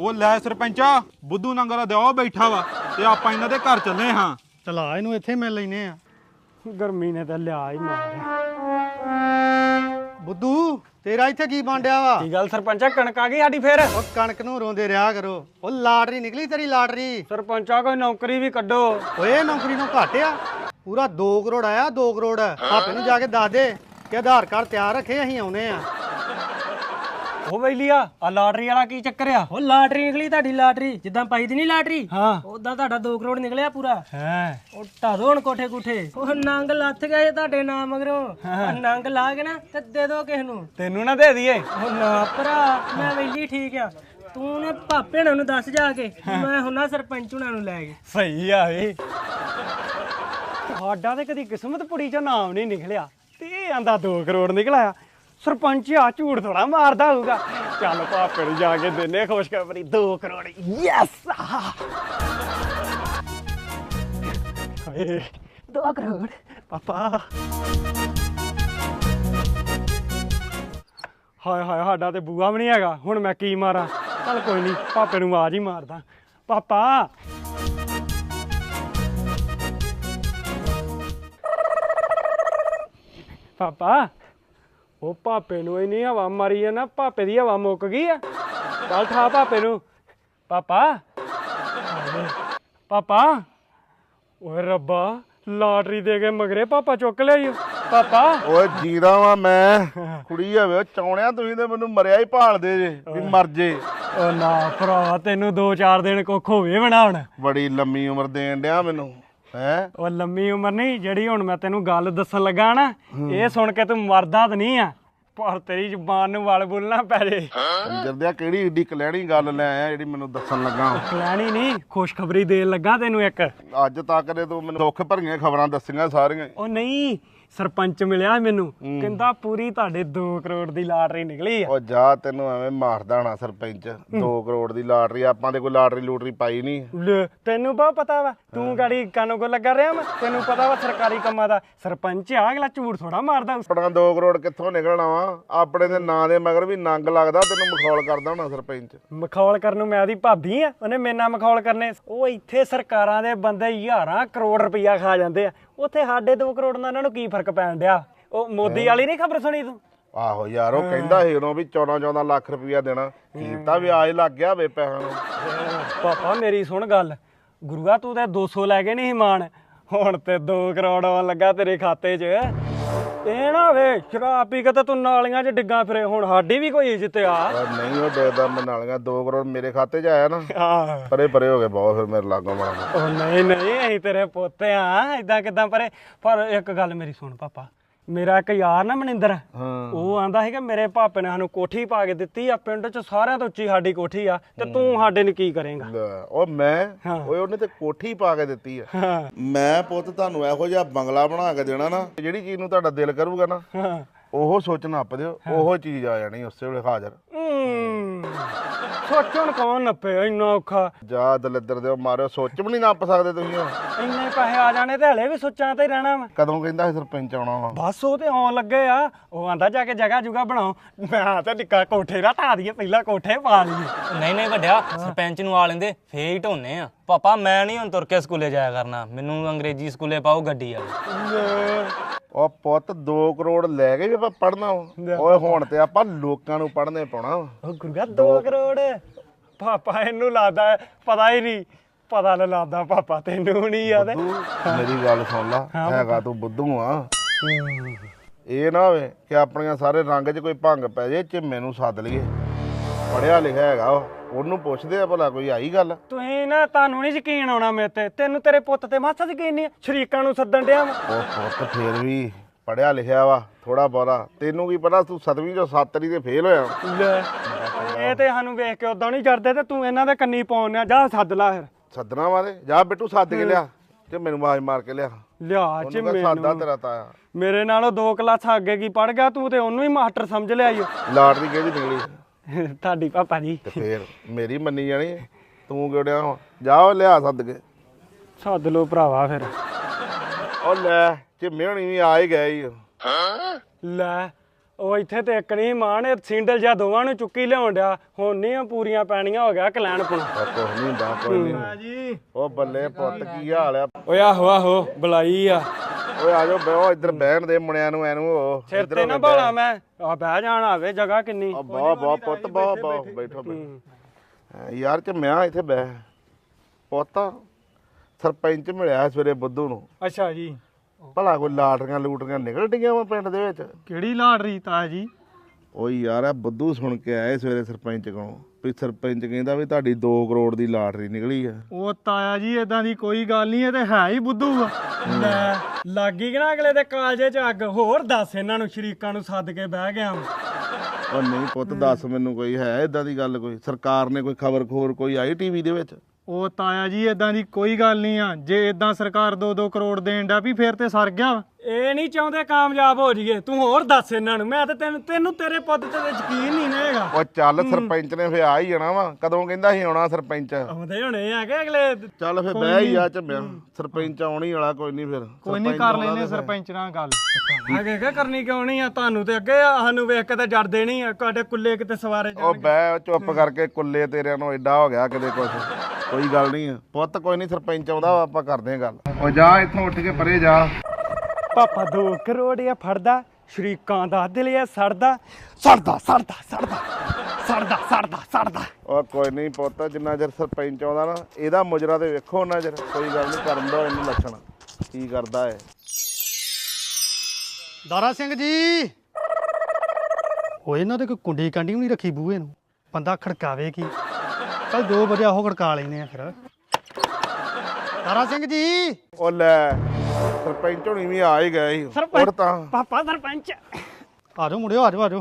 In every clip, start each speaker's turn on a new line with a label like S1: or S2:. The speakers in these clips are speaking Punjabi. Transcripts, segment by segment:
S1: ਉਹ ਲੈ ਸਰਪੰਚਾ ਬੁੱਧੂ ਨੰਗਲ ਦਾ ਉਹ ਬੈਠਾ ਵਾ ਤੇ ਆਪਾਂ ਇਹਨਾਂ ਦੇ ਘਰ ਚੱਲੇ ਹਾਂ।
S2: ਚਲਾ ਇਹਨੂੰ ਇੱਥੇ ਮਿਲ ਲੈਨੇ ਆ। ਗਰਮੀ ਨੇ ਤਾਂ ਲਿਆ ਹੀ ਮਾਰਿਆ। ਬੁੱਧੂ ਤੇਰਾ ਇੱਥੇ ਕੀ ਬਾਂਡਿਆ ਵਾ?
S3: ਕੀ ਗੱਲ ਸਰਪੰਚਾ, ਕਣਕ ਆ ਗਈ ਸਾਡੀ ਫੇਰ?
S2: ਉਹ ਕਣਕ ਨੂੰ ਰੋਂਦੇ ਰਿਹਾ ਕਰੋ। ਉਹ ਲਾਟਰੀ ਨਿਕਲੀ ਤੇਰੀ ਲਾਟਰੀ।
S3: ਸਰਪੰਚਾ ਕੋਈ ਨੌਕਰੀ ਵੀ ਕੱਢੋ।
S2: ਓਏ ਨੌਕਰੀ ਨੂੰ ਘੱਟ ਆ, ਪੂਰਾ 2 ਕਰੋੜ ਆਇਆ। 2 ਕਰੋੜ ਭਾਪੇ ਨੂੰ ਜਾ ਕੇ ਦੱਸ ਦੇ ਕਿ ਆਧਾਰ ਕਾਰਡ ਤਿਆਰ ਰੱਖੇ, ਅਸੀਂ ਆਉਨੇ ਆ।
S3: ਉਹ ਬੈਲੀਆ ਆ ਲਾਟਰੀ ਵਾਲਾ ਕੀ ਚੱਕਰ ਆ?
S4: ਉਹ ਲਾਟਰੀ ਨਿਕਲੀ ਤੁਹਾਡੀ ਲਾਟਰੀ, ਜਿੱਦਾਂ ਪਾਈ ਦੀ ਨਹੀਂ ਲਾਟਰੀ
S3: ਹਾਂ
S4: ਉਦਾਂ ਤੁਹਾਡਾ 2 ਕਰੋੜ ਨਿਕਲਿਆ ਪੂਰਾ।
S3: ਹੈ
S4: ਉਹ ਢਾਦੋ ਹੁਣ ਕੋਠੇ ਕੁਠੇ। ਉਹ ਨੰਗ ਲੱਥ ਗਏ ਤੁਹਾਡੇ ਨਾਮ ਮਗਰੋਂ। ਉਹ ਨੰਗ ਲਾ ਕੇ ਨਾ ਤੇ ਦੇ ਦੋ ਕਿਸ ਨੂੰ।
S3: ਤੈਨੂੰ ਨਾ ਦੇ ਦਈਏ।
S4: ਉਹ ਨਾ ਭਰਾ, ਮੈਂ ਵੈਲੀ ਠੀਕ ਆ। ਤੂੰ ਨੇ ਭਾਪੇ ਹੁਣਾਂ ਨੂੰ ਦੱਸ ਜਾ ਕੇ, ਮੈਂ ਹੁਣਾ ਸਰਪੰਚ ਹੁਣਾਂ ਨੂੰ ਲੈ ਕੇ।
S3: ਸਹੀ ਆ ਵੇ। ਸਾਡਾ ਤੇ ਕਦੀ ਕਿਸਮਤ ਪੁੜੀ ਚ ਨਾਮ ਨਹੀਂ ਨਿਕਲਿਆ ਤੇ ਇਹ ਆਂਦਾ 2 ਕਰੋੜ ਨਿਕਲਿਆ। ਸਰਪੰਚ ਆ ਝੂਠ ਥੋੜਾ ਮਾਰਦਾ ਹੋਊਗਾ। ਚੱਲ ਭਾਪੇ ਨੂੰ ਜਾ ਕੇ ਦਿੰਨੇ ਖੁਸ਼ਖਬਰੀ, 2 ਕਰੋੜ। ਯੈਸ
S4: 2 ਕਰੋੜ
S3: ਪਾਪਾ। ਹਾਏ ਹਾਏ, ਸਾਡਾ ਤੇ ਬੂਆ ਵੀ ਨਹੀਂ ਹੈਗਾ, ਹੁਣ ਮੈਂ ਕੀ ਮਾਰਾਂ? ਚੱਲ ਕੋਈ ਨਹੀਂ, ਪਾਪੇ ਨੂੰ ਆਵਾਜ਼ ਹੀ ਮਾਰਦਾ। ਪਾਪਾ ਪਾਪਾ, ਉਹ ਪਾਪੇ ਨੂੰ ਇੰਨੀ ਹਵਾ ਮਾਰੀ ਆ ਨਾ, ਪਾਪੇ ਦੀ ਹਵਾ ਮੁੱਕ ਗਈ ਆ। ਚੱਲ ਠਾ ਪਾਪੇ ਨੂੰ। ਪਾਪਾ ਪਾਪਾ, ਓਏ ਰੱਬਾ, ਲਾਟਰੀ ਦੇ ਕੇ ਮਗਰੇ ਪਾਪਾ ਚੁੱਕ ਲਿਆ। ਪਾਪਾ
S5: ਓਏ ਜੀਦਾ ਵਾ ਮੈਂ, ਕੁੜੀ ਹੋਵੇ ਚੌਣਿਆ ਤੁਸੀਂ ਤੇ ਮੈਨੂੰ ਮਰਿਆ ਹੀ ਭਾਲਦੇ ਜੇ ਵੀ ਮਰ ਜੇ।
S3: ਉਹ ਨਾ ਭਰਾ, ਤੈਨੂੰ 2-4 ਦਿਨ ਕੁੱਖ ਹੋਵੇ ਬਣਾਉਣ।
S5: ਬੜੀ ਲੰਮੀ ਉਮਰ ਦੇਣ ਡਿਆ ਮੈਨੂੰ ਹੈ।
S3: ਉਹ ਲੰਮੀ ਉਮਰ ਨਹੀਂ, ਜਿਹੜੀ ਹੁਣ ਮੈਂ ਤੈਨੂੰ ਗੱਲ ਦੱਸਣ ਲੱਗਾ ਨਾ, ਇਹ ਸੁਣ ਕੇ ਤੂੰ ਮਰਦਾ ਤਾਂ ਨਹੀਂ ਆ, ਪਰ ਤੇਰੀ ਜ਼ੁਬਾਨ ਨੂੰ ਵਲ ਬੋਲਣਾ ਪੈ ਜੇ।
S5: ਜਰਦਿਆ ਕਿਹੜੀ ਏਡੀ ਕਲੈਣੀ ਗੱਲ ਲੈ ਆਇਆ ਜਿਹੜੀ ਮੈਨੂੰ ਦੱਸਣ ਲੱਗਾ।
S3: ਲੈਣੀ ਨਹੀਂ, ਖੁਸ਼ਖਬਰੀ ਦੇਣ ਲੱਗਾ ਤੈਨੂੰ ਇੱਕ।
S5: ਅੱਜ ਤੱਕ ਦੇ ਤੂੰ ਮੈਨੂੰ ਦੁੱਖ ਭਰੀਆਂ ਖਬਰਾਂ ਦੱਸੀਆਂ ਸਾਰੀਆਂ।
S3: ਉਹ ਨਹੀਂ, ਸਰਪੰਚ ਮਿਲਿਆ ਮੈਨੂੰ, ਕਹਿੰਦਾ ਪੂਰੀ ਤੁਹਾਡੇ 2 ਕਰੋੜ ਦੀ ਲਾਟਰੀ ਨਿਕਲੀ ਆ।
S5: ਉਹ ਜਾ, ਤੈਨੂੰ ਐਵੇਂ ਮਾਰਦਾ ਹੋਣਾ ਸਰਪੰਚ। 2 ਕਰੋੜ ਦੀ ਲਾਟਰੀ, ਆਪਾਂ ਤੇ ਕੋਈ ਲਾਟਰੀ ਲੂਟਰੀ ਪਾਈ ਨਹੀਂ।
S3: ਲੈ, ਤੈਨੂੰ ਬਹੁਤ ਪਤਾ ਵਾ, ਤੂੰ ਗਾੜੀ ਕਾਨੋ ਕੋ ਲੱਗਾ ਰਿਹਾ ਮੈਂ, ਤੈਨੂੰ ਪਤਾ ਵਾ ਸਰਕਾਰੀ ਕੰਮਾਂ ਦਾ। ਸਰਪੰਚ ਆ, ਅਗਲਾ ਝੂਠ ਥੋੜਾ ਮਾਰਦਾ।
S5: ਆਪਣਾ 2 ਕਰੋੜ ਕਿੱਥੋਂ ਨਿਕਲਣਾ ਵਾ? ਆਪਣੇ ਦੇ ਨਾਂ ਦੇ ਮਗਰ ਵੀ ਨੰਗ ਲੱਗਦਾ, ਤੈਨੂੰ ਮਖੌਲ ਕਰਦਾ ਹੋਣਾ ਸਰਪੰਚ।
S3: ਮਖੌਲ ਕਰਨ ਨੂੰ ਮੈਂ ਉਹਦੀ ਭਾਬੀ ਆ, ਉਹਨੇ ਮੇਰੇ ਨਾਲ ਮਖੌਲ ਕਰਨੇ? ਉਹ ਇੱਥੇ ਸਰਕਾਰਾਂ ਦੇ ਬੰਦੇ 1000 ਕਰੋੜ ਰੁਪਈਆ ਖਾ ਜਾਂਦੇ ਆ, ਉੱਥੇ ਸਾਡੇ 2 ਕਰੋੜ ਨਾਲ ਇਹਨਾਂ ਨੂੰ ਕੀ ਫਰਕ ਪੈਣ ਡਿਆ? ਉਹ ਮੋਦੀ ਵਾਲੀ ਨਹੀਂ ਖਬਰ ਸੁਣੀ ਤੂੰ?
S5: ਆਹੋ ਯਾਰ, ਉਹ ਕਹਿੰਦਾ ਸੀ ਉਦੋਂ ਵੀ 14-14 ਲੱਖ ਰੁਪਈਆ ਦੇਣਾ। ਕੀਤਾ ਵਿਆਜ ਲੱਗ ਗਿਆ ਵੇ ਪੈਸਿਆਂ ਨੂੰ।
S3: ਪਾਪਾ ਮੇਰੀ ਸੁਣ ਗੱਲ, ਗੁਰੂਆ ਤੂੰ ਤੇ 200 ਲੈ ਕੇ ਨਹੀਂ ਮਾਣ, ਹੁਣ ਤੇ 2 ਕਰੋੜ ਆਉਣ ਲੱਗਾ ਤੇਰੇ ਖਾਤੇ 'ਚ। ਇਹ ਨਾ ਵੇ ਸ਼ਰਾਬ ਪੀ ਕੇ ਤਾਂ ਤੂੰ ਨਾਲੀਆਂ 'ਚ ਡਿੱਗਾ ਫਿਰੇ, ਹੁਣ ਸਾਡੀ ਵੀ ਕੋਈ ਇੱਜ਼ਤ ਆ।
S5: ਨਹੀਂ ਉਹ ਡੇਦਾ ਮੈਂ ਨਾਲੀਆਂ 2 ਕਰੋੜ ਮੇਰੇ ਖਾਤੇ 'ਚ ਆਇਆ ਨਾ,
S3: ਆਹ
S5: ਪਰੇ ਪਰੇ ਹੋ ਗਏ ਬਹੁਤ ਫਿਰ ਮੇਰੇ ਲਾਗੋਂ ਮਾਰਾ।
S3: ਉਹ ਨਹੀਂ ਨਹੀਂ, ਅਸੀਂ ਤੇਰੇ ਪੋਤੇ ਆ, ਏਦਾਂ ਕਿਦਾਂ ਪਰੇ? ਪਰ ਇੱਕ ਗੱਲ ਮੇਰੀ ਸੁਣ ਪਾਪਾ, ਮੇਰਾ ਇੱਕ ਯਾਰ ਨਾ ਮਨਿੰਦਰ, ਉਹ ਆਂਦਾ ਸੀ ਕਿ ਮੇਰੇ ਭਾਪੇ ਨੇ ਸਾਨੂੰ ਕੋਠੀ ਪਾ ਕੇ ਦਿੱਤੀ ਆ, ਪਿੰਡ 'ਚ ਸਾਰਿਆਂ ਤੋਂ ਉੱਚੀ ਸਾਡੀ ਕੋਠੀ ਆ, ਤੇ ਤੂੰ ਸਾਡੇ ਲਈ ਕੀ ਕਰੇਂਗਾ?
S5: ਉਹ ਮੈਂ ਓਏ ਉਹਨੇ ਤੇ ਕੋਠੀ ਪਾ ਕੇ ਦਿੱਤੀ ਆ। ਮੈਂ ਪੁੱਤ ਤੁਹਾਨੂੰ ਇਹੋ ਜਿਹਾ ਬੰਗਲਾ ਬਣਾ ਕੇ ਦੇਣਾ ਨਾ, ਜਿਹੜੀ ਚੀਜ਼ ਨੂੰ ਤੁਹਾਡਾ ਦਿਲ ਕਰੂਗਾ ਨਾ ਉਹ ਸੋਚ ਨੱਪ ਦਿਓ, ਉਹੋ ਚੀਜ਼ ਆ ਜਾਣੀ ਉਸੇ ਵੇਲੇ ਹਾਜ਼ਰ।
S3: ਸੋਚਣ ਕੌਣ ਨੱਪੇ, ਇੰਨਾ ਔਖਾ?
S5: ਜਾ ਦਲਿੱਦਰ ਦਿਓ ਮਾਰਿਓ, ਸੋਚ ਵੀ ਨਹੀਂ ਨੱਪ ਸਕਦੇ ਤੁਸੀਂ।
S3: ਇੰਨੇ ਪੈਸੇ ਆ ਜਾਣੇ ਤੇ ਹਲੇ ਵੀ ਸੋਚਾਂ ਤੇ ਹੀ ਰਹਿਣਾ ਵਾ।
S5: ਕਦੋਂ ਕਹਿੰਦਾ ਸੀ ਸਰਪੰਚ ਆਉਣਾ ਵਾ?
S3: ਬਸ ਉਹ ਤੇ ਆਉਣ ਲੱਗੇ ਆ, ਉਹ ਆਂਦਾ ਜਾ ਕੇ ਜਗ੍ਹਾ ਜੁਗਾ ਬਣਾਓ। ਮੈਂ ਤਾਂ ਨਿੱਕਾ ਕੋਠੇ ਦਾ ਢਾ ਦਈਏ, ਪਹਿਲਾਂ ਕੋਠੇ ਪਾ ਲਈਏ।
S6: ਨਹੀਂ ਨਹੀਂ ਵੱਡਿਆ, ਸਰਪੰਚ ਨੂੰ ਆ ਲੈਂਦੇ ਫੇਰ ਹੀ ਢੋਨੇ ਆ। ਪਾਪਾ ਮੈਂ ਨਹੀਂ ਹੁਣ ਤੁਰ ਕੇ ਸਕੂਲੇ ਜਾਇਆ ਕਰਨਾ, ਮੈਨੂੰ ਅੰਗਰੇਜ਼ੀ ਸਕੂਲੇ ਪਾਓ ਗੱਡੀ ਆ।
S5: ਉਹ ਪੁੱਤ 2 ਕਰੋੜ ਲੈ ਕੇ ਵੀ ਆਪਾਂ ਪੜਨਾ ਓਏ, ਹੁਣ ਤੇ ਆਪਾਂ ਲੋਕਾਂ ਨੂੰ ਪੜਨੇ ਪਾਉਣਾ।
S3: ਉਹ ਗੁਰਗਾ 2 ਕਰੋੜ ਪਾਪਾ ਇਹਨੂੰ ਲਾਦਾ ਪਤਾ ਹੀ ਨਹੀਂ, ਪਤਾ ਨਾ ਲਾਦਾ ਪਾਪਾ ਤੈਨੂੰ ਨਹੀਂ ਯਾਦ?
S5: ਮੇਰੀ ਗੱਲ ਸੁਣ ਲਾ, ਹੈਗਾ ਤੂੰ ਬੁੱਧੂ ਆ। ਇਹ ਨਾ ਹੋਵੇ ਕਿ ਆਪਣੀਆਂ ਸਾਰੇ ਰੰਗ 'ਚ ਕੋਈ ਭੰਗ ਪੈ ਜੇ, ਝਿੰਮੇ ਨੂੰ ਸੱਦ ਲਈਏ, ਪੜਿਆ ਲਿਖਿਆ ਹੈਗਾ ਉਹ, ਉਹਨੂੰ ਪੁੱਛਦੇ ਆ ਭਲਾ ਕੋਈ ਆਈ ਗੱਲ।
S3: ਤੁਸੀਂ ਨਾ, ਤੁਹਾਨੂੰ ਨਹੀਂ ਯਕੀਨ ਆਉਣਾ ਮੇਰੇ ਤੇ, ਤੈਨੂੰ ਤੇਰੇ ਪੁੱਤ ਤੇ ਮਾਸਾ ਯਕੀਨ ਨਹੀਂ, ਸ਼ਰੀਕਾਂ ਨੂੰ ਸੱਦਣ ਡਿਆ ਵਾ।
S5: ਉਹ ਪੁੱਤ ਫੇਰ ਵੀ ਪੜਿਆ ਲਿਖਿਆ ਵਾ ਥੋੜਾ ਬਹੁਤਾ, ਤੈਨੂੰ ਕੀ ਪਤਾ ਤੂੰ 7ਵੀਂ ਚੋਂ 7 ਤੇ ਫੇਲ ਹੋਇਆ।
S3: ਇਹ ਤੇ ਸਾਨੂੰ ਵੇਖ ਕੇ ਉਦਾਂ ਨਹੀਂ ਜਰਦੇ, ਤੇ ਤੂੰ ਇਹਨਾਂ ਦੇ ਕੰਨੀ ਪਾਉਣਿਆ। ਜਾ ਸੱਦ ਲਾ ਫਿਰ।
S5: ਸੱਦਣਾ ਵਾਲੇ ਜਾ ਬਿੱਟੂ, ਸੱਦ ਕੇ ਲਿਆ ਤੇ ਮੈਨੂੰ ਆਵਾਜ਼ ਮਾਰ ਕੇ ਲਿਆ।
S3: ਲਿਆ ਚ
S5: ਸਾਦਾ ਤੇਰਾ ਤਾਇਆ
S3: ਮੇਰੇ ਨਾਲੋਂ 2 ਕਲਾਸਾਂ ਅੱਗੇ ਕੀ ਪੜ ਗਿਆ ਤੂੰ, ਤੇ ਉਹਨੂੰ ਹੀ ਮਾਸਟਰ ਸਮਝ ਲਿਆ ਈ।
S5: ਲਾਟਰੀ ਕਿਹਦੀ ਨਿਕਲੀ?
S3: ਤੁਹਾਡੀ ਪਾਪਾ ਜੀ।
S5: ਤੇ ਫੇਰ ਮੇਰੀ ਮੰਨੀ ਜਾਣੀ, ਤੂੰ ਕਿਹੜਿਆ? ਜਾ ਉਹ ਲਿਆ ਸੱਦ ਕੇ।
S3: ਸੱਦ ਲੋ ਭਰਾਵਾ ਫਿਰ।
S5: ਉਹ ਲੈ ਝਿੰਮੇ ਹੋਣੀ ਵੀ ਆ ਹੀ ਗਏ ਈ।
S3: ਲੈ ਉਹ ਇੱਥੇ ਤੇ ਇੱਕ ਨਹੀਂ ਮਾਣ ਇਹ ਸਿੰਡਲ ਜਾਂ ਦੋਵਾਂ ਨੂੰ ਚੁੱਕੀ ਲਿਆਉਣ ਡਿਆ ਹੁਣ ਨਹੀਂ ਪੂਰੀਆਂ ਪੈਣੀਆਂ ਹੋ ਗਿਆ ਕਲੈਣ ਪੁਣਾ
S5: ਕੁਛ ਨਹੀਂ ਹੁੰਦਾ ਕੋਈ ਨਹੀਂ ਉਹ ਬੱਲੇ ਪੁੱਤ ਕੀ ਹਾਲ ਆ
S3: ਓਏ ਆਹੋ ਬੁਲਾਈ ਆ
S5: ਓਏ ਆ ਜਾਓ ਬਹਿਓ ਇੱਧਰ ਬਹਿਣ ਦੇ ਮੁੰਡਿਆਂ ਨੂੰ ਐਨੂੰ ਉਹ
S3: ਸਿਰ ਤੇ ਨਾ ਭਾਲਾ ਮੈਂ ਆ ਬਹਿ ਜਾਣ ਆਵੇ ਜਗ੍ਹਾ ਕਿੰਨੀ
S5: ਬਹੁਤ ਪੁੱਤ ਬਹੁਤ ਬੈਠੋ ਯਾਰ ਚ ਮੈਂ ਇੱਥੇ ਬਹਿ ਪੁੱਤ ਸਰਪੰਚ ਮਿਲਿਆ ਸਵੇਰੇ ਬੁੱਧੂ ਨੂੰ
S1: ਅੱਛਾ ਜੀ
S5: ਭਲਾ ਕੋਈ ਲਾਟਰੀਆਂ ਲੂਟਰੀਆਂ ਨਿਕਲ ਡੀਆਂ ਵਾ ਪਿੰਡ ਦੇ ਵਿੱਚ
S1: ਕਿਹੜੀ ਲਾਟਰੀ ਤਾਇਆ ਜੀ
S5: ਓ ਯਾਰ ਆ ਬੁੱਧੂ ਸੁਣ ਕੇ ਆਏ ਸਵੇਰੇ ਸਰਪੰਚ ਕੋਲੋਂ ਵੀ ਸਰਪੰਚ ਕਹਿੰਦਾ ਵੀ ਤੁਹਾਡੀ 2 ਕਰੋੜ ਦੀ ਲਾਟਰੀ ਨਿਕਲੀ ਆ
S1: ਉਹ ਤਾਇਆ ਜੀ ਇਦਾਂ ਦੀ ਕੋਈ ਗੱਲ ਨਹੀਂ ਇਹ ਤੇ ਹੈ ਹੀ ਬੁੱਧੂ ਆ
S3: ਲੈ ਲੱਗੀ ਕਿ ਨਾ ਅਗਲੇ ਦੇ ਕਾਲਜੇ ਚ ਅੱਗ ਹੋਰ ਦੱਸ ਇਹਨਾਂ ਨੂੰ ਸ਼ਰੀਕਾਂ ਨੂੰ ਸੱਦ ਕੇ ਬਹਿ ਗਿਆ
S5: ਉਹ ਨਹੀਂ ਪੁੱਤ ਦੱਸ ਮੈਨੂੰ ਕੋਈ ਹੈ ਇਦਾਂ ਦੀ ਗੱਲ ਕੋਈ ਸਰਕਾਰ ਨੇ ਕੋਈ ਖਬਰ ਖੋਰ ਕੋਈ ਆਈ ਟੀਵੀ ਦੇ ਵਿੱਚ
S1: ਉਹ ਤਾਇਆ ਜੀ ਇਦਾਂ ਦੀ ਕੋਈ ਗੱਲ ਨਹੀਂ ਆ ਜੇ ਇਦਾਂ ਸਰਕਾਰ 2-2 ਕਰੋੜ ਦੇਣ ਦਾ ਵੀ ਫੇਰ ਤੇ ਸਰ ਗਿਆ
S3: ਇਹ ਨਹੀਂ ਚਾਹੁੰਦੇ ਕਾਮਯਾਬ ਹੋ ਜਾਈਏ ਤੂੰ ਹੋਰ ਦੱਸ ਇਹਨਾਂ ਨੂੰ ਮੈਂ ਤਾਂ ਤੈਨੂੰ ਤੇਰੇ ਪੁੱਤ ਤੇ ਯਕੀਨ ਨਹੀਂ ਨਾ ਹੈਗਾ
S5: ਉਹ ਚੱਲ ਸਰਪੰਚ ਨੇ ਫੇ ਆ ਹੀ ਜਾਣਾ ਵਾ ਕਦੋਂ ਕਹਿੰਦਾ ਸੀ ਆਉਣਾ ਸਰਪੰਚ
S3: ਆਉਂਦੇ ਹੋਣੇ ਆ ਕਿ ਅਗਲੇ
S5: ਚੱਲ ਫੇ ਬਹਿ ਹੀ ਆ ਝੰਮਿਆ ਸਰਪੰਚ ਆਉਣੀ ਵਾਲਾ ਕੋਈ ਨਹੀਂ ਫਿਰ
S1: ਕੋਈ ਨਹੀਂ ਕਰ ਲੈਨੇ ਸਰਪੰਚ ਨਾਲ ਗੱਲ
S3: ਅੱਗੇ ਕੀ ਕਰਨੀ ਕਿਉਂ ਨਹੀਂ ਆ ਤੁਹਾਨੂੰ ਤੇ ਅੱਗੇ ਸਾਨੂੰ ਵੇਖ ਕੇ ਤਾਂ ਜੜਦੇ ਨਹੀਂ ਆ ਤੁਹਾਡੇ ਕੁੱਲੇ ਕਿਤੇ ਸਵਾਰੇ
S5: ਉਹ ਬਹਿ ਚੁੱਪ ਕਰਕੇ ਕੁੱਲੇ ਤੇਰਿਆਂ ਨੂੰ ਐਡਾ ਹੋ ਗਿਆ ਕਿਤੇ ਕੁਛ ਕੋਈ ਗੱਲ ਨਹੀਂ ਆ ਪੁੱਤ ਕੋਈ ਨਹੀਂ ਸਰਪੰਚ ਆਉਂਦਾ ਆਪਾਂ ਕਰਦੇ ਆ ਗੱਲ ਉਹ ਜਾ ਇੱਥੋਂ ਉੱਠ ਕੇ ਪਰੇ ਜਾ
S3: ਪਾਪਾ 2 ਕਰੋੜ ਆ ਫੜਦਾ ਸ਼ਰੀਕਾਂ ਦਾ ਦਿਲ ਆ ਸੜਦਾ
S5: ਉਹ ਕੋਈ ਨਹੀਂ ਪੁੱਤ ਜਿੰਨਾ ਚਿਰ ਸਰਪੰਚ ਆਉਂਦਾ ਨਾ ਇਹਦਾ ਮੁਜਰਾ ਤੇ ਵੇਖੋ ਉਹਨਾਂ ਚਿਰ ਕੋਈ ਗੱਲ ਨਹੀਂ ਕਰਨ ਦੋ ਇਹਨੂੰ ਲੱਛਣ ਕੀ ਕਰਦਾ ਹੈ
S2: ਦਾਰਾ ਸਿੰਘ ਜੀ ਉਹ ਇਹਨਾਂ ਦੇ ਕੋਈ ਕੁੰਡੀ ਕਾਂਡੀ ਵੀ ਨਹੀਂ ਰੱਖੀ ਬੂਹੇ ਨੂੰ ਬੰਦਾ ਖੜਕਾਵੇ ਕੀ ਕੱਲ 2 ਵਜੇ ਉਹ ਖੜਕਾ ਲੈਨੇ ਆ ਫਿਰ ਦਾਰਾ ਸਿੰਘ ਜੀ
S5: ਉਹ ਲੈ ਸਰਪੰਚ ਹੋਣੀ ਵੀ ਆ ਹੀ ਗਏ ਸੀ ਹੋਰ ਤਾਂ
S3: ਪਾਪਾ ਸਰਪੰਚ
S2: ਆ ਜਾਓ ਮੁੰਡਿਓ ਆ ਜਾਓ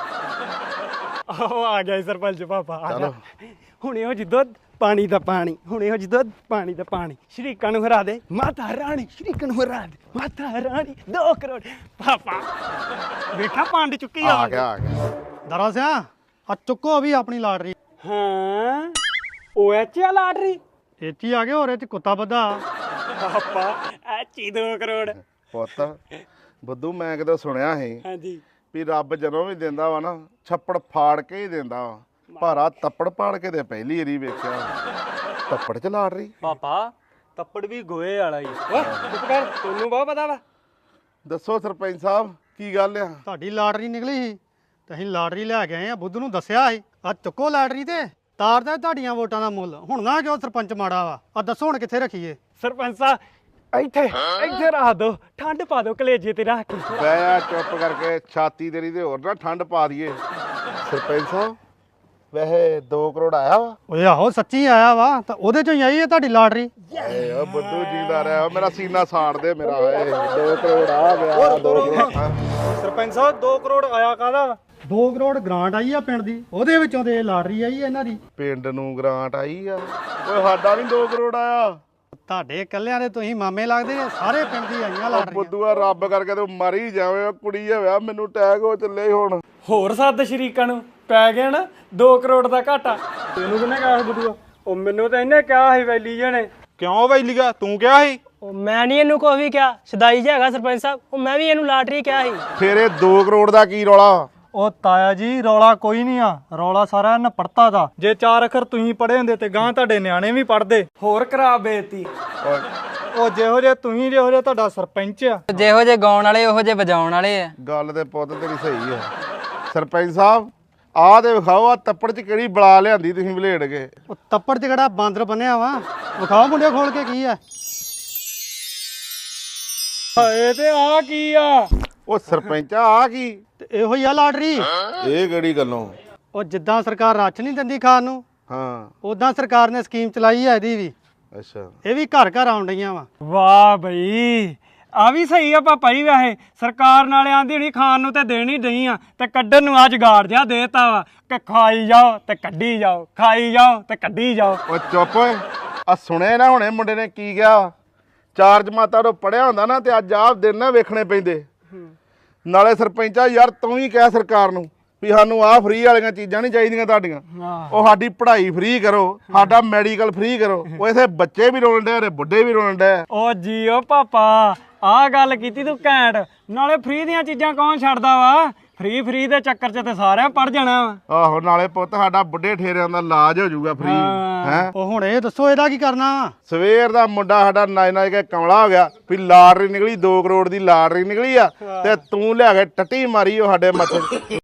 S3: ਆਹ ਆ ਗਿਆ ਜੀ ਸਰਪੰਚ ਪਾਪਾ ਆ ਜਾ ਹੁਣੇ ਉਹ ਜਿੱਦੋਂ ਪਾਣੀ ਦਾ ਪਾਣੀ ਹੁਣੇ ਉਹ ਜਿੱਦੋਂ ਪਾਣੀ ਦਾ ਪਾਣੀ ਸ਼ਰੀਕਾਂ ਨੂੰ ਹਰਾ ਦੇ ਮਾਤਾ ਰਾਣੀ ਸ਼ਰੀਕਾਂ ਨੂੰ ਹਰਾ ਦੇ ਮਾਤਾ ਰਾਣੀ 2 ਕਰੋੜ ਪਾਪਾ ਵੇਖਾ ਪੰਡ ਚੁੱਕੀ
S5: ਆ ਗਿਆ
S2: ਦਾਰਾ ਸਿੰਘ ਆ ਚੁੱਕੋ ਵੀ ਆਪਣੀ ਲਾਟਰੀ
S3: ਹਾਂ ਉਹ ਐਚਾ ਲਾਟਰੀ
S2: ਇੱਥੇ ਆ ਗਏ ਹੋਰ ਇਹ ਚ ਕੁੱਤਾ ਬੱਧਾ
S3: ਪਾਪਾ ਐਚੀ 2 ਕਰੋੜ
S5: ਪੁੱਤ ਬੁੱਧੂ ਮੈਂ ਕਿਤੇ ਸੁਣਿਆ ਸੀ
S3: ਹਾਂਜੀ
S5: ਵੀ ਰੱਬ ਜਦੋਂ ਵੀ ਦਿੰਦਾ ਵਾ ਨਾ ਛੱਪੜ ਫਾੜ ਕੇ ਹੀ ਦਿੰਦਾ ਵਾ ਭਾਰਾ ਤੱਪੜ ਪਾੜ ਕੇ ਤੇ ਪਹਿਲੀ ਵਾਰੀ ਵੇਖਿਆ ਤੱਪੜ ਚ ਲਾੜ ਰਹੀ
S6: ਪਾਪਾ ਤੱਪੜ ਵੀ ਗੋਏ ਵਾਲਾ ਹੀ
S3: ਓਏ ਚੁੱਪ ਕਰ ਤੈਨੂੰ ਬਹੁਤ ਪਤਾ ਵਾ
S5: ਦੱਸੋ ਸਰਪੰਚ ਸਾਹਿਬ ਕੀ ਗੱਲ ਆ
S2: ਤੁਹਾਡੀ ਲਾਟਰੀ ਨਿਕਲੀ ਸੀ ਤੇ ਅਸੀਂ ਲਾਟਰੀ ਲੈ ਕੇ ਆਏ ਆ ਬੁੱਧ ਨੂੰ ਦੱਸਿਆ ਸੀ ਆ ਚੁੱਕੋ ਲਾਟਰੀ ਤੇ ਤਾਰਦਾ ਤੁਹਾਡੀਆਂ ਵੋਟਾਂ ਦਾ ਮੁੱਲ ਹੁਣ ਨਾ ਕਿਉਂ ਸਰਪੰਚ ਮਾੜਾ ਵਾ ਆ ਦੱਸੋ ਹੁਣ ਕਿੱਥੇ ਰੱਖੀਏ
S3: ਸਰਪੰਚ ਸਾਹਿਬ ਇੱਥੇ ਰੱਖ ਦੋ ਠੰਡ ਪਾ ਦੋ ਕਲੇਜੇ ਤੇ ਰੱਖ ਕੇ
S5: ਬਹਿ ਆ ਚੁੱਪ ਕਰਕੇ ਛਾਤੀ ਤੇਰੀ ਤੇ ਹੋਰ ਨਾ ਠੰਡ ਪਾ ਦਈਏ ਸਰਪੰਚ ਸਾਹਿਬ ਵੈਸੇ 2 ਕਰੋੜ ਆਇਆ ਵਾ
S2: ਓਏ ਆਹੋ ਸੱਚੀ ਆਇਆ ਵਾ ਤਾਂ ਉਹਦੇ ਚੋਂ ਹੀ ਆਈ ਹੈ ਤੁਹਾਡੀ ਲਾਟਰੀ
S5: ਏ ਓ ਬੁੱਧੂ ਜੀਦਾ ਰਿਹਾ ਮੇਰਾ ਸੀਨਾ ਸਾੜ ਦੇ ਮੇਰਾ ਏ 2 ਕਰੋੜ ਆ ਗਿਆ 2 ਕਰੋੜ
S1: ਸਰਪੰਚ ਸਾਹਿਬ 2 ਕਰੋੜ ਆਇਆ ਕਾਹਦਾ
S2: 2 ਕਰੋੜ ਗ੍ਰਾਂਟ ਆਈ ਆ ਪਿੰਡ ਦੀ ਉਹਦੇ ਵਿੱਚੋਂ ਤੇ ਲਾਟਰੀ ਆਈ ਹੈ ਇਹਨਾਂ ਦੀ
S5: ਪਿੰਡ ਨੂੰ ਗ੍ਰਾਂਟ ਆਈ ਆ ਓਏ ਸਾਡਾ ਨਹੀਂ 2 ਕਰੋੜ ਆਇਆ
S2: ਤੁਹਾਡੇ ਇਕੱਲਿਆਂ ਦੇ ਤੁਸੀਂ ਮਾਮੇ ਲੱਗਦੇ ਆ ਸਾਰੇ ਪਿੰਡ ਦੀ ਆਈਆਂ
S5: ਓ
S2: ਲਾਟਰੀਆਂ
S5: ਬੁੱਧੂਆ ਰੱਬ ਕਰਕੇ ਤੂੰ ਮਰ ਹੀ ਜਾਵੇਂ ਓ ਕੁੜੀ ਹੋਇਆ ਮੈਨੂੰ ਅਟੈਕ ਹੋ ਚੱਲੇ ਹੁਣ
S3: ਹੋਰ ਸੱਦ ਸ਼ਰੀਕਾਂ ਨੂੰ ਪੈ ਗਿਆ ਨਾ 2 ਕਰੋੜ ਦਾ ਘਾਟਾ ਤੈਨੂੰ ਕਿਹਨੇ ਕਿਹਾ ਸੀ ਬਦੂਆ ਉਹ ਮੈਨੂੰ ਤਾਂ ਇਹਨੇ ਕਿਹਾ ਸੀ ਵੈਲੀ ਜਣੇ
S1: ਕਿਉਂ ਵੈਲੀਗਾ ਤੂੰ ਕਿਹਾ ਸੀ
S4: ਉਹ ਮੈਂ ਨਹੀਂ ਇਹਨੂੰ ਕੋਈ ਵੀ ਕਿਹਾ ਸਦਾਈ ਜਿਹਾ ਹੈਗਾ ਸਰਪੰਚ ਸਾਹਿਬ ਉਹ ਮੈਂ ਵੀ ਇਹਨੂੰ ਲਾਟਰੀ ਕਿਹਾ ਸੀ
S5: ਫਿਰ ਇਹ 2 ਕਰੋੜ ਦਾ ਕੀ ਰੌਲਾ
S1: ਉਹ ਤਾਇਆ ਜੀ ਰੌਲਾ ਕੋਈ ਨਹੀਂ ਆ ਰੌਲਾ ਸਾਰਾ ਇਹਨਾਂ ਪੜਤਾ ਦਾ ਜੇ 4 ਅੱਖਰ ਤੁਸੀਂ ਪੜ੍ਹੇ ਹੁੰਦੇ ਤੇ ਗਾਂ ਤੁਹਾਡੇ ਨਿਆਣੇ ਵੀ ਪੜ੍ਹਦੇ
S3: ਹੋਰ ਖਰਾਬ ਬੇਇੱਜ਼ਤੀ
S1: ਉਹ ਜਿਹੋ ਜੇ ਤੁਸੀਂ ਜਿਹੋ ਜੇ ਤੁਹਾਡਾ ਸਰਪੰਚ ਆ
S6: ਜਿਹੋ ਜੇ ਗਾਉਣ ਵਾਲੇ ਉਹੋ ਜੇ ਵਜਾਉਣ ਵਾਲੇ ਆ
S5: ਗੱਲ ਤੇ ਪੁੱਤ ਤੇਰੀ ਸਹੀ ਆ ਸਰਪੰਚ ਸਾਹਿਬ ਆਹ ਤੇ ਵਿਖਾਓ ਆ ਤੱਪੜ ਚ ਕਿਹੜੀ ਬਲਾ ਲਿਆਂਦੀ ਤੁਸੀਂ ਵਲੇੜ ਕੇ
S2: ਉਹ ਤੱਪੜ 'ਚ ਕਿਹੜਾ ਬਾਂਦਰ ਬਣਿਆ ਵਾ ਵਿਖਾਓ ਮੁੰਡੇ ਖੋਲ ਕੇ ਕੀ ਆ
S3: ਹਾਏ ਤੇ ਆ ਕੀ ਆ
S5: ਉਹ ਸਰਪੰਚ ਆ ਕੀ
S2: ਤੇ ਇਹੋ ਹੀ ਆ ਲਾਟਰੀ
S5: ਇਹ ਕਿਹੜੀ ਗੱਲੋਂ
S2: ਉਹ ਜਿੱਦਾਂ ਸਰਕਾਰ ਰਾਸ਼ਨ ਨਹੀਂ ਦਿੰਦੀ ਖਾਣ ਨੂੰ
S5: ਹਾਂ
S2: ਉਦਾਂ ਸਰਕਾਰ ਨੇ ਸਕੀਮ ਚਲਾਈ ਹੈ ਇਹਦੀ ਵੀ
S5: ਅੱਛਾ
S2: ਇਹ ਵੀ ਘਰ ਘਰ ਆਉਣ ਡਈਆਂ ਵਾ
S3: ਵਾਹ ਬਈ ਆ ਵੀ ਸਹੀ ਆ ਪਾਪਾ ਜੀ ਵੈਸੇ ਸਰਕਾਰ ਨਾਲੇ ਆਂਦੀ ਨਹੀਂ ਖਾਣ ਨੂੰ ਤੇ ਦੇਣੀ ਨਹੀਂ ਆ ਤੇ ਕੱਢਣ ਨੂੰ ਆ ਜਗਾੜ ਜਿਹਾ ਦੇਤਾ ਵਾ ਕਿ ਖਾਈ ਜਾਓ ਤੇ ਕੱਢੀ ਜਾਓ ਖਾਈ ਜਾਓ ਤੇ ਕੱਢੀ ਜਾਓ
S5: ਉਹ ਚੁੱਪ ਓਏ ਆ ਸੁਣਿਆ ਨਾ ਹੁਣੇ ਮੁੰਡੇ ਨੇ ਕੀ ਕਿਹਾ 4 ਜਮਾਤਾਂ ਤੋਂ ਪੜਿਆ ਹੁੰਦਾ ਨਾ ਤੇ ਅੱਜ ਆਪ ਦਿਨ ਨਾ ਵੇਖਣੇ ਪੈਂਦੇ ਨਾਲੇ ਸਰਪੰਚਾ ਯਾਰ ਤੂੰ ਹੀ ਕਹਿ ਸਰਕਾਰ ਨੂੰ ਵੀ ਸਾਨੂੰ ਆਹ ਫ੍ਰੀ ਵਾਲੀਆਂ ਚੀਜ਼ਾਂ ਨਹੀਂ ਚਾਹੀਦੀਆਂ ਤੁਹਾਡੀਆਂ ਉਹ ਸਾਡੀ ਪੜ੍ਹਾਈ ਫ੍ਰੀ ਕਰੋ ਸਾਡਾ ਮੈਡੀਕਲ ਫ੍ਰੀ ਕਰੋ ਉਹ ਇਥੇ ਬੱਚੇ ਵੀ ਰੋਣ ਡੇ ਤੇ ਬੁੱਢੇ ਵੀ ਰੋਣ ਡੇ
S3: ਓ ਜੀਓ ਪਾਪਾ ਆਹ ਗੱਲ ਕੀਤੀ ਤੂੰ ਘੈਂਟ ਨਾਲੇ ਫ੍ਰੀ ਦੀਆਂ ਚੀਜ਼ਾਂ ਕੌਣ ਛੱਡਦਾ ਵਾ ਫ੍ਰੀ ਦੇ ਚੱਕਰ 'ਚ ਤੇ ਸਾਰਿਆਂ ਪੜ ਜਾਣਾ ਵਾ।
S5: ਆਹੋ ਨਾਲੇ ਪੁੱਤ ਸਾਡਾ ਬੁੱਢੇ ਠੇਰਿਆਂ ਦਾ ਇਲਾਜ ਹੋ ਜਾਊਗਾ ਫ੍ਰੀ ਹੈ।
S2: ਉਹ ਹੁਣ ਇਹ ਦੱਸੋ ਇਹਦਾ ਕੀ ਕਰਨਾ?
S5: ਸਵੇਰ ਦਾ ਮੁੰਡਾ ਸਾਡਾ ਨੱਚ ਕੇ ਕਮਲਾ ਹੋ ਗਿਆ ਵੀ ਲਾਟਰੀ ਨਿਕਲੀ 2 ਕਰੋੜ ਦੀ ਲਾਟਰੀ ਨਿਕਲੀ ਆ ਤੇ ਤੂੰ ਲਿਆ ਕੇ ਟੱਟੀ ਮਾਰੀ ਉਹ ਸਾਡੇ ਮੱਥੇ